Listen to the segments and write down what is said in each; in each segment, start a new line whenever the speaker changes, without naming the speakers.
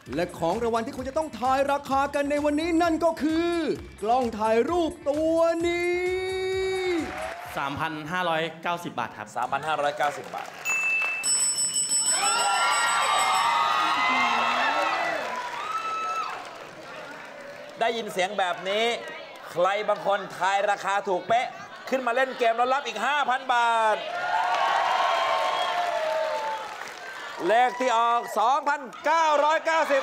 และของรางวัลที่คุณจะต้องทายราคากันในวันนี้นั่นก็คือกล้องถ่ายรูปตัวนี้
3,590 บาทครับ
3,590 บาทได้ยินเสียงแบบนี้ใครบางคนทายราคาถูกเป๊ะขึ้นมาเล่นเกมแล้วรับอีก 5,000 บาทเลขที่ออก 2,990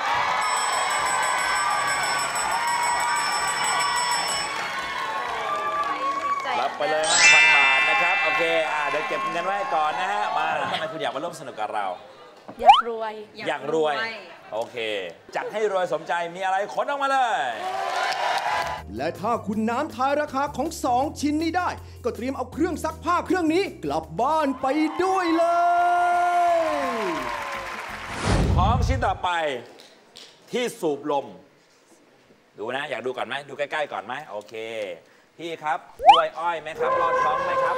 รับไปเลย 5,000 บาทนะครับโอเคเดี๋ยวเก็บเงินไว้ก่อนนะฮะมาทำไมคุณอยากมาร่วมสนุกกับเรา
อยากรวย
โอเคจัดให้รวยสมใจมีอะไรขนออกมาเลย
และถ้าคุณน้ำทายราคาของ2ชิ้นนี้ได้ก็เตรียมเอาเครื่องซักผ้าเครื่องนี้กลับบ้านไปด้วยเลย
ของชิ้นต่อไปที่สูบลมดูนะอยากดูก่อนไหมดูใกล้ๆก่อนไหมโอเคพี่ครับกล้วยอ้อยไหมครับรอดท้องไหมครับ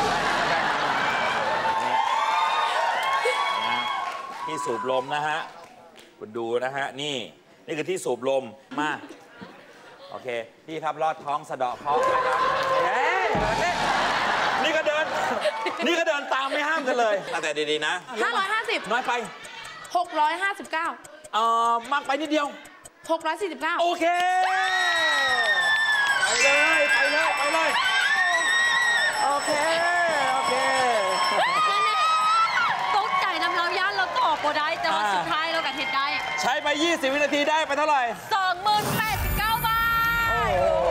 ที่สูบลมนะฮะคุณดูนะฮะนี่คือที่สูบลมมาโอเคพี่ครับรอดท้องสะเดาะเคราะห์นะครับนี่ก็เดินตามไม่ห้ามกันเลยแต่ดีๆนะ
550
น้อยไป
659
มากไปนิดเดียว
649
โอเคไปเลยโอเค
ตกใจนำเราย่านเราตอบก็ได้แต่ว่าสุดท้ายเรากับเหตุได้
ใช้ไป20 วินาทีได้ไปเท่าไหร่
20,089 บาท